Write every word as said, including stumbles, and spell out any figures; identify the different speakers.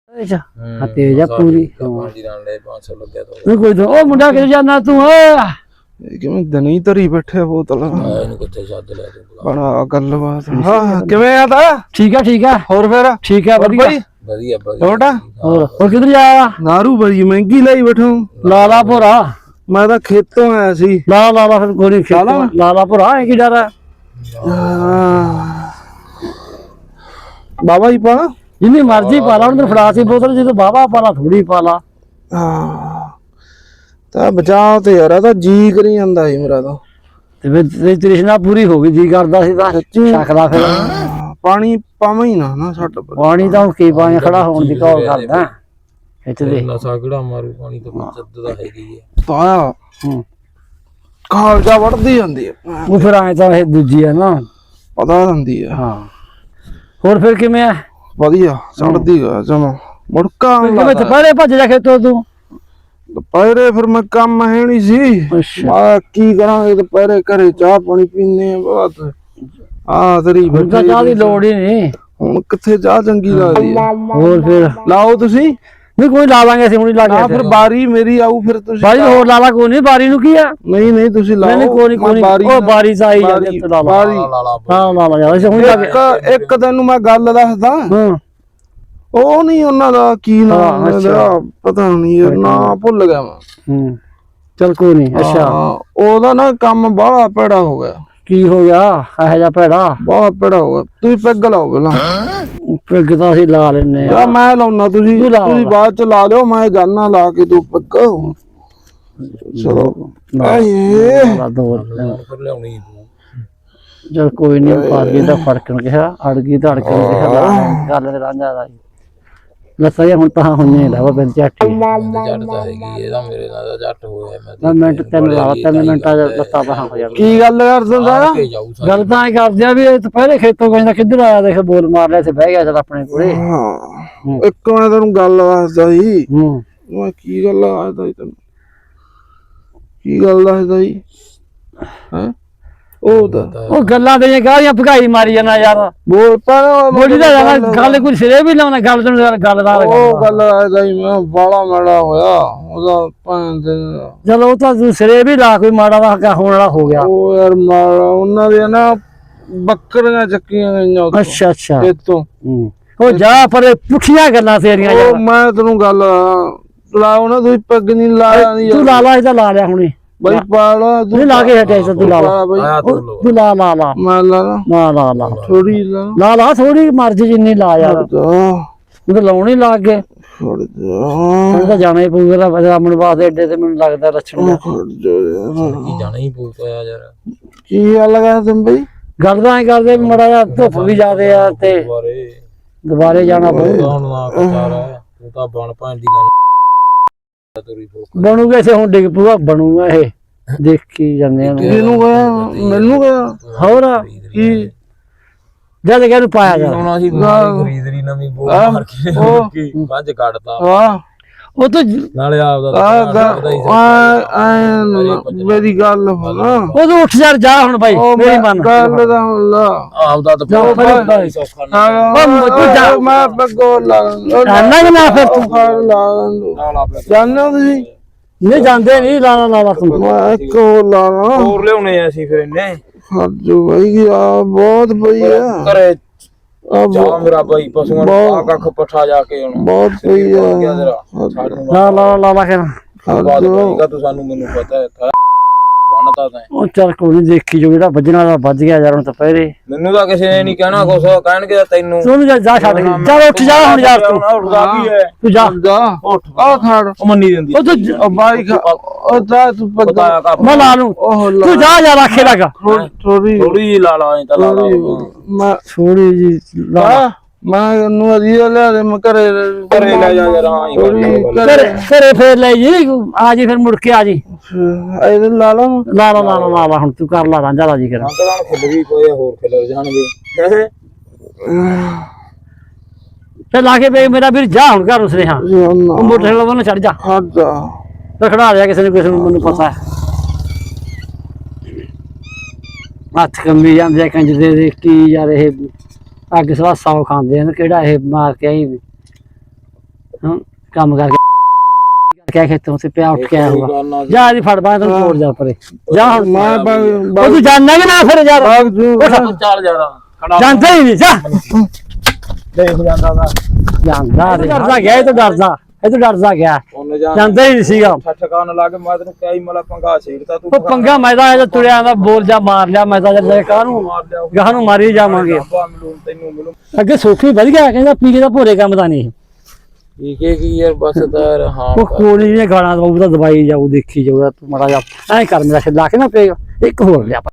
Speaker 1: ਹਾਂ ਤੇਜ ਆ ਪੂਰੀ
Speaker 2: ਪਾਣੀ ਨਾਲ ਲੈ ਪੰਜ ਸੌ ਲੱਗਿਆ
Speaker 1: ਤੂੰ ਕੋਈ ਉਹ ਮੁੰਡਾ ਕਿੱਥੇ ਜਾਣਾ ਤੂੰ ਓਏ
Speaker 3: ਕਿਵੇਂ ਦਨੀ ਧਰੀ ਬੈਠੇ ਬੋਤਲ
Speaker 2: ਇਹਨੂੰ ਕਿੱਥੇ ਛੱਡ ਲਿਆ ਤੂੰ
Speaker 3: ਬਣਾ ਗੱਲਬਾਤ ਹਾਂ ਕਿਵੇਂ ਆ ਤਾ
Speaker 1: ਠੀਕ ਆ ਠੀਕ ਆ
Speaker 3: ਹੋਰ ਫੇਰ
Speaker 1: ਠੀਕ ਆ ਵਧੀਆ
Speaker 2: ਵਧੀਆ ਵਧੀਆ
Speaker 3: ਛੋਟਾ
Speaker 1: ਹੋਰ ਹੋਰ ਕਿੱਧਰ ਜਾਇਆ
Speaker 3: ਨਾਰੂ ਬੜੀ ਮਹਿੰਗੀ ਲਈ ਬੈਠੋ
Speaker 1: ਲਾਲਾ ਭੋਰਾ
Speaker 3: ਮੈਂ ਤਾਂ ਖੇਤੋਂ ਆਇਆ ਸੀ
Speaker 1: ਲਾ ਲਾ ਲਾ ਫਿਰ ਗੋਲੀ ਖੇਲਾ ਲਾਲਾ ਭੋਰਾ ਹੈ ਕੀ ਡਰ ਹੈ
Speaker 3: ਬਾਬਾ ਜੀ ਪਾ
Speaker 1: ਜਿੰਨੀ ਮਰਜ਼ੀ ਪਾ ਲਾ ਉਹਨੂੰ ਫੜਾ ਸੀ ਬੋਤਲ ਜਦੋਂ ਬਾਬਾ ਪਾ ਲਾ ਥੋੜੀ ਪਾ ਲਾ
Speaker 3: ਹਾਂ ਤਾਂ ਬਚਾਓ ਤੇ ਯਾਰ ਤਾਂ ਜੀ ਕਰੀ ਜਾਂਦਾ ਸੀ ਮੇਰਾ ਤਾਂ
Speaker 1: ਤੇ ਫਿਰ ਤ੍ਰਿਸ਼ਨਾ ਪੂਰੀ ਹੋ ਗਈ ਜੀ ਕਰਦਾ ਸੀ ਤਾਂ ਛਕਦਾ ਫਿਰ
Speaker 3: ਪਾਣੀ ਪਾਵਾਂ ਹੀ ਨਾ ਨਾ ਛੱਡ
Speaker 1: ਪਾਣੀ ਤਾਂ ਕੀ ਪਾਣੀ ਖੜਾ ਹੋਣ ਦੀ ਕਾਲ ਕਰਦਾ ਇੱਥੇ ਦੇ
Speaker 2: ਨਸਾ ਕਿਹੜਾ ਮਾਰੂ ਪਾਣੀ ਤਾਂ ਚੱਦ ਦਾ ਹੈਗੀ ਹੈ
Speaker 3: ਤਾਂ
Speaker 1: ਹੂੰ
Speaker 3: ਕਾਲਜਾ ਵੜਦੀ ਜਾਂਦੀ ਹੈ
Speaker 1: ਉਹ ਫਿਰ ਆਏ ਤਾਂ ਇਹ ਦੂਜੀ ਹੈ ਨਾ
Speaker 3: ਪਤਾ ਹੁੰਦੀ ਹੈ
Speaker 1: ਹਾਂ ਹੋਰ ਫਿਰ ਕਿਵੇਂ ਆ
Speaker 3: ਵਧੀਆ ਚੜਦੀ ਗਾ ਜਮਾ ਮੁੜਕਾ
Speaker 1: ਕਿਵੇਂ ਦੁਪਹਿਰੇ ਭੱਜ ਜਾ ਖੇਤੋਂ ਤੂੰ
Speaker 3: ਦੁਪਹਿਰੇ ਫਿਰ ਮੈਂ ਕੰਮ ਹੈ ਨਹੀਂ ਸੀ ਮੈਂ ਕੀ ਕਰਾਂਗੇ ਦੁਪਹਿਰੇ ਘਰੇ ਚਾਹ ਪਾਣੀ ਪੀਨੇ ਆ ਬਾਤ ਆ ਤੇਰੀ
Speaker 1: ਹੁਣ ਤਾਂ ਚਾਹ ਦੀ ਲੋੜ ਹੀ ਨਹੀਂ
Speaker 3: ਹੁਣ ਕਿੱਥੇ ਚਾਹ ਚੰਗੀ ਲੱਗਦੀ ਹੈ
Speaker 1: ਹੋਰ ਫਿਰ
Speaker 3: ਲਾਓ ਤੁਸੀਂ
Speaker 1: ਨਹੀਂ ਕੋਈ ਲਾ ਲਾਂਗੇ ਅਸੀਂ ਹੁਣ ਹੀ ਲਾ ਕੇ
Speaker 3: ਫਿਰ ਬਾਰੀ ਮੇਰੀ ਆਊ ਫਿਰ ਤੁਸੀਂ
Speaker 1: ਬਾਰੀ ਹੋਰ ਲਾ ਲਾ ਕੋਈ ਨਹੀਂ ਬਾਰੀ ਨੂੰ ਕੀ ਆ
Speaker 3: ਨਹੀਂ ਨਹੀਂ ਤੁਸੀਂ ਲਾਓ
Speaker 1: ਨਹੀਂ ਕੋਈ ਨਹੀਂ ਉਹ ਬਾਰੀ ਚ ਆਈ ਜਾਂਦੀ ਲਾ ਲਾ
Speaker 3: ਬਾਰੀ
Speaker 1: ਹਾਂ ਲਾ ਲਾ ਅਸੀਂ ਹੁਣ ਲਾ ਕੇ
Speaker 3: ਇੱਕ ਇੱਕ ਤੈਨੂੰ ਮੈਂ ਗੱਲ ਦੱਸਦਾ
Speaker 1: ਹਾਂ
Speaker 3: ਉਹ ਨਹੀਂ ਉਹਨਾਂ ਦਾ ਕੀ ਨਾਮ ਹੈ ਪਤਾ ਨਹੀਂ ਨਾ ਭੁੱਲ ਗਿਆ ਮੈਂ
Speaker 1: ਹੂੰ ਚਲ ਕੋਈ ਨਹੀਂ ਅੱਛਾ
Speaker 3: ਉਹਦਾ ਨਾ ਕੰਮ ਬਾਹਲਾ ਭੈੜਾ ਹੋ ਗਿਆ
Speaker 1: ਕੀ ਹੋ ਗਿਆ ਇਹੋ ਜਿਹਾ ਭੈੜਾ
Speaker 3: ਬਹੁਤ ਭੈੜਾ ਹੋ ਗਿਆ ਤੁਸੀਂ ਪੈਗ ਲਾਓ ਪਹਿਲਾਂ
Speaker 1: ਪੈਗ ਤਾਂ ਅਸੀਂ ਲਾ ਲੈਨੇ
Speaker 3: ਆ ਮੈਂ ਲਾਉਣਾ ਤੁਸੀਂ ਤੁਸੀਂ ਬਾਅਦ ਚ ਲਾ ਲਿਓ ਮੈਂ ਜਾਨਾ ਲਾ ਕੇ ਤੂੰ ਪੈਗ ਚਲੋ ਆਏ
Speaker 2: ਫਿਰ ਲਿਆਉਣੀ ਤੂੰ
Speaker 1: ਚਲ ਕੋਈ ਨਹੀਂ ਪਾ ਗਈ ਤਾਂ ਫੜਕਣ ਕਿਹਾ ਅੜ ਗਈ ਤਾਂ ਅੜਕਣ ਕਿਹਾ ਗੱਲ ਤੇ ਰਾਂਝਾ ਦਾ ਲੱਤਾਂ ਹੁਣ ਤਾਂ ਹੋਈਆਂ ਹੀ ਲਾਵਾ ਬਿੰਦ ਝੱਟ
Speaker 2: ਜੱਟ ਤਾਂ ਹੈਗੀ ਇਹਦਾ ਮੇਰੇ ਨਾਲ ਦਾ ਜੱਟ ਹੋਇਆ
Speaker 1: ਮੈਂ ਮਿੰਟ ਤਿੰਨ ਲਾ ਤਿੰਨ ਮਿੰਟਾਂ ਚ ਲੱਤਾਂ ਬਾਹਾਂ ਹੋ ਜਾਣ
Speaker 3: ਕੀ ਗੱਲ ਕਰ ਦਿੰਦਾ
Speaker 1: ਗੱਲ ਤਾਂ ਐ ਕਰਦੇ ਆ ਵੀ ਇਹ ਦੁਪਹਿਰੇ ਖੇਤੋਂ ਕਹਿੰਦਾ ਕਿੱਧਰ ਆਇਆ ਦੇਖ ਬੋਲ ਮਾਰ ਲਿਆ ਤੇ ਬਹਿ ਗਿਆ ਚਲ ਆਪਣੇ ਕੋਲੇ
Speaker 3: ਹਾਂ ਇੱਕ ਮੈਂ ਤੈਨੂੰ ਗੱਲ ਦੱਸਦਾ ਸੀ
Speaker 1: ਹੂੰ
Speaker 3: ਮੈਂ ਕੀ ਗੱਲ ਦੱਸਦਾ ਸੀ ਤੈਨੂੰ ਕੀ ਗੱਲ ਦੱਸਦਾ ਸੀ ਹੈ ਉਹ ਤਾਂ
Speaker 1: ਉਹ ਗੱਲਾਂ ਤੇ ਗਾਲੀਆਂ ਭਗਾਈ ਮਾਰੀ ਜਾਣਾ ਯਾਰ
Speaker 3: ਬੋਲ ਪਰ
Speaker 1: ਬੋਲੀ ਦਾ ਯਾਰ ਗੱਲ ਕੋਈ ਸਿਰੇ ਵੀ ਲਾਉਣਾ ਗੱਲ ਤੋਂ ਗੱਲ ਦਾ
Speaker 3: ਉਹ ਗੱਲ ਦੱਸਦਾ ਸੀ ਮੈਂ ਬਾਲਾ ਮਾੜਾ ਹੋਇਆ ਉਹਦਾ ਭੈਣ ਦੇ
Speaker 1: ਚਲੋ ਉਹ ਤਾਂ ਤੂੰ ਸਿਰੇ ਵੀ ਲਾ ਕੋਈ ਮਾੜਾ ਦਾ ਹੋਣ ਵਾਲਾ ਹੋ ਗਿਆ
Speaker 3: ਉਹ ਯਾਰ ਮਾੜਾ ਉਹਨਾਂ ਦੇ ਨਾ ਬੱਕਰੀਆਂ ਚੱਕੀਆਂ ਗਈਆਂ ਉੱਥੋਂ
Speaker 1: ਅੱਛਾ ਅੱਛਾ
Speaker 3: ਇੱਥੋਂ
Speaker 1: ਉਹ ਜਾ ਪਰ ਪੁੱਠੀਆਂ ਗੱਲਾਂ ਤੇਰੀਆਂ
Speaker 3: ਉਹ ਮੈਂ ਤੈਨੂੰ ਗੱਲ ਲਾਓ ਨਾ ਤੁਸੀਂ ਪੱਗ ਨਹੀਂ ਲਾਇਆ
Speaker 1: ਤੂੰ ਲਾ ਲਾ ਇਹਦਾ ਲਾ ਲਿਆ ਹੁਣੇ
Speaker 3: ਬਈ ਪਾਲਾ
Speaker 1: ਤੂੰ ਲਾ ਕੇ ਹਟਿਆ ਤੂੰ ਲਾ ਲਾ ਤੂੰ ਲਾ ਲਾ ਲਾ
Speaker 3: ਮੈਂ ਲਾ
Speaker 1: ਨਾ ਲਾ ਲਾ
Speaker 3: ਥੋੜੀ ਲਾ
Speaker 1: ਲਾ ਲਾ ਥੋੜੀ ਮਰਜ਼ੀ ਜਿੰਨੀ ਲਾ ਯਾਰ ਤੂੰ ਤਾਂ ਲਾਉਣੀ ਲੱਗ ਗਏ
Speaker 3: ਛੱਡ ਜਾ
Speaker 1: ਤਾਂ ਜਾਣਾ ਹੀ ਪਊਗਾ ਰਾਮਣ ਵਾਸਤੇ ਏਡੇ ਤੇ ਮੈਨੂੰ ਲੱਗਦਾ ਲੱਛਣ
Speaker 2: ਕੀ ਜਾਣਾ ਹੀ ਪਊਗਾ ਯਾਰ
Speaker 3: ਕੀ ਗੱਲ ਕਰ ਤੁਮ ਬਈ
Speaker 1: ਗੱਲ ਤਾਂ ਐ ਕਰਦੇ ਮੜਾ ਜਾ ਧੁੱਪ ਵੀ ਜ਼ਿਆਦੇ ਆ ਤੇ
Speaker 2: ਦੁਬਾਰੇ
Speaker 1: ਦੁਬਾਰੇ ਜਾਣਾ ਪਊਗਾ
Speaker 2: ਹੁਣ ਨਾ ਕਚਾਰਾ ਤੂੰ ਤਾਂ ਬਣ ਭਾਂ ਦੀ ਗੱਲ
Speaker 1: ਬਣੂਗਾ ਇਸੇ ਹੁਣ ਡਿੱਗ ਪੂਗਾ ਬਣੂਗਾ ਇਹ ਦੇਖੀ ਜਾਂਦੇ ਆ
Speaker 3: ਇਹਨੂੰ ਗਿਆ ਮੈਨੂੰ ਗਿਆ
Speaker 1: ਹੋਰ
Speaker 3: ਕੀ
Speaker 1: ਜਦ ਕਿ ਇਹਨੂੰ ਪਾਇਆ ਜਾ
Speaker 2: ਹੁਣ ਅਸੀਂ ਖਰੀਦਰੀ ਨਵੀਂ ਬੋਲ ਮਾਰ ਕੇ ਉਹ ਵੱਜ ਕੱਢਤਾ
Speaker 3: ਵਾਹ
Speaker 1: ਉਹ ਤਾਂ
Speaker 2: ਨਾਲੇ ਆਪਦਾ
Speaker 3: ਆ ਮੇਰੀ ਗੱਲ ਨਾ
Speaker 1: ਉਹ ਤਾਂ ਉੱਠ ਜਾ ਜਾ ਹੁਣ ਬਾਈ ਮੇਰੀ ਮੰਨ
Speaker 3: ਗੱਲ ਦਾ ਹੁਣ ਲਾ
Speaker 2: ਆਪਦਾ ਤਾਂ
Speaker 3: ਮੈਂ ਬੱਗੋ ਲਾ
Speaker 1: ਜਾਨਾ ਕਿ ਨਾ ਫਿਰ ਤੂੰ
Speaker 3: ਲਾ ਜਾਨਾ ਤੁਸੀਂ
Speaker 1: ਨਹੀਂ ਜਾਂਦੇ ਨਹੀਂ ਲਾਣਾ ਲਾਣਾ ਤੂੰ
Speaker 3: ਮੈਂ ਇੱਕ ਹੋਰ ਲਾਣਾ
Speaker 2: ਹੋਰ ਲਿਆਉਣੇ ਆ ਅਸੀਂ ਫਿਰ ਇਹਨੇ
Speaker 3: ਹੱਜੋ ਬਾਈ ਆ ਬਹੁਤ ਪਈ ਆ
Speaker 2: ਘਰੇ ਜਾ ਮੇਰਾ ਬਾਈ ਪਸ਼ੂਆਂ ਨੂੰ ਆ ਕੱਖ ਪੱਠਾ ਜਾ ਕੇ ਹੁਣ
Speaker 3: ਬਹੁਤ ਪਈ ਆ
Speaker 1: ਲਾ ਲਾ ਲਾ ਲਾ ਕੇ
Speaker 2: ਤੂੰ ਸਾਨੂੰ ਮੈਨੂੰ ਪਤਾ ਹੈ ਬਣਤਾ ਤਾਂ
Speaker 1: ਉਹ ਚੱਲ ਕੋਈ ਨਹੀਂ ਦੇਖੀ ਜੋ ਜਿਹੜਾ ਵੱਜਣਾ ਦਾ ਵੱਜ ਗਿਆ ਯਾਰ ਹੁਣ ਤਾਂ ਪਹਿਰੇ
Speaker 2: ਮੈਨੂੰ ਤਾਂ ਕਿਸੇ ਨੇ ਨਹੀਂ ਕਹਿਣਾ ਕੁਛ ਕਹਿਣਗੇ ਤੈਨੂੰ
Speaker 1: ਤੂੰ ਜਾ ਜਾ ਛੱਡ ਕੇ ਜਾ ਉੱਠ ਜਾ ਹੁਣ ਯਾਰ ਤੂੰ
Speaker 2: ਉੱਠਦਾ ਕੀ ਹੈ
Speaker 1: ਤੂੰ ਜਾ
Speaker 3: ਜਾ
Speaker 2: ਉੱਠ
Speaker 3: ਆ ਖੜ
Speaker 2: ਉਹ ਮੰਨੀ ਦਿੰਦੀ
Speaker 3: ਉਹ ਤੂੰ ਬਾਈ ਉਹ ਜਾ ਤੂੰ ਪਤਾ
Speaker 1: ਮੈਂ ਲਾ ਲੂੰ ਤੂੰ ਜਾ ਜਾ ਰੱਖੇ ਲਗਾ
Speaker 3: ਥੋੜੀ
Speaker 2: ਥੋੜੀ ਲਾ ਲਾ ਤਾਂ ਲਾ ਲਾ
Speaker 3: ਮੈਂ
Speaker 1: ਥੋੜੀ ਜੀ ਲਾ
Speaker 3: ਮੈਂ ਨੂੰ ਅਧੀਆ ਲਿਆ ਦੇ ਮੈਂ ਘਰੇ
Speaker 2: ਘਰੇ ਲੈ ਜਾ ਯਾਰ ਹਾਂ
Speaker 1: ਘਰੇ ਘਰੇ ਫੇਰ ਲੈ ਜੀ ਆ ਜੀ ਫਿਰ ਮੁੜ ਕੇ ਆ ਜੀ
Speaker 3: ਇਹਦੇ ਲਾ ਲਾ
Speaker 1: ਲਾ ਲਾ ਲਾ ਲਾ ਲਾ ਹੁਣ ਤੂੰ ਕਰ ਲਾ ਰਾਂਝਾ ਲਾ ਜੀ ਕਰ
Speaker 2: ਅੰਕਲਾਂ ਖਿੱਲ ਵੀ ਕੋਈ ਹੋਰ ਖਿੱਲ ਜਾਣਗੇ
Speaker 1: ਤੇ ਲਾ ਕੇ ਵੇ ਮੇਰਾ ਵੀਰ ਜਾ ਹੁਣ ਘਰ ਉਸਨੇ ਹਾਂ ਉਹ ਮੋਟਰਸਾਈਕਲ ਵੱਲ ਛੱਡ ਜਾ
Speaker 3: ਹਟ ਜਾ
Speaker 1: ਰਖੜਾ ਲਿਆ ਕਿਸੇ ਨੇ ਕਿਸੇ ਨੂੰ ਮੈਨੂੰ ਪਤਾ ਹੈ ਹੱਥ ਕੰਬੀ ਜਾਂਦੇ ਆ ਕੰਜ ਦੇ ਕੀ ਯਾਰ ਇਹ ਅੱਗ ਸਵਾ ਸੌ ਖਾਂਦੇ ਨੇ ਕਿਹੜਾ ਇਹ ਮਾਰ ਕੇ ਆਈ ਹਾਂ ਕੰਮ ਕਰਕੇ ਕਿਆ ਖੇਤੋਂ ਸੇ ਪਿਆ ਉੱਠ ਕੇ ਆਇਆ ਹੋਗਾ ਜਾ ਜੀ ਫੜ ਬਾਹਰ ਤੈਨੂੰ ਛੋੜ ਜਾ ਪਰੇ ਜਾ ਹੁਣ
Speaker 3: ਮੈਂ
Speaker 1: ਉਹ ਤੂੰ ਜਾਣਦਾ ਕਿ ਨਾ ਫਿਰ ਯਾਰ
Speaker 3: ਬਾਗ ਜੂ
Speaker 2: ਤੂੰ ਚੱਲ ਯਾਰ
Speaker 1: ਜਾਂਦਾ ਹੀ ਨਹੀਂ ਜਾ
Speaker 2: ਦੇਖ ਜਾਂਦਾ ਦਾ
Speaker 1: ਜਾਂਦਾ ਡਰਦਾ ਗਿਆ ਇਹ ਤਾਂ ਡਰਦਾ ਇਹ ਤਾਂ ਡਰਦਾ ਗਿਆ
Speaker 2: ਉਹਨੇ ਜਾਂ
Speaker 1: ਜਾਂਦਾ ਹੀ ਨਹੀਂ ਸੀਗਾ
Speaker 2: ਠਠਕਾਨ ਲਾ ਕੇ ਮੈਂ ਤੈਨੂੰ ਕਿਹਾ ਹੀ ਮਲਾ ਪੰਗਾ ਛੇੜਤਾ ਤੂੰ
Speaker 1: ਉਹ ਪੰਗਾ ਮੈਦਾ ਇਹ ਤੁਰਿਆ ਦਾ ਬੋਲ ਜਾ ਮਾਰ ਲਿਆ ਮੈਦਾ ਜਦ ਕਾਹਨੂੰ
Speaker 2: ਮਾਰ ਲਿਆ
Speaker 1: ਗਾਹ ਨੂੰ ਮਾਰੀ ਜਾਵਾਂਗੇ
Speaker 2: ਰੱਬਾ ਮਿਲੂ ਤੈਨੂੰ ਮਿਲੂ
Speaker 1: ਅੱਗੇ ਸੋਖੀ ਵਧ ਗਿਆ ਕਹਿੰਦਾ ਪੀਕੇ ਦਾ ਭੋਰੇ ਕੰਮ ਦਾ ਨਹੀਂ
Speaker 2: ਠੀਕ ਹੈ ਕੀ ਯਾਰ ਬਸ ਤਾਂ ਹਾਂ
Speaker 1: ਉਹ ਕੋਲੀ ਨੇ ਗਾਣਾ ਦਵਾਈ ਦਵਾਈ ਜਾਊ ਦੇਖੀ ਜਾਊ ਤੂੰ ਮਾੜਾ ਜਾ ਐ ਕਰ ਮੇਰਾ ਛੱਲਾ ਕੇ ਨਾ ਪਏਗਾ ਇੱਕ ਹੋਰ ਲਿਆ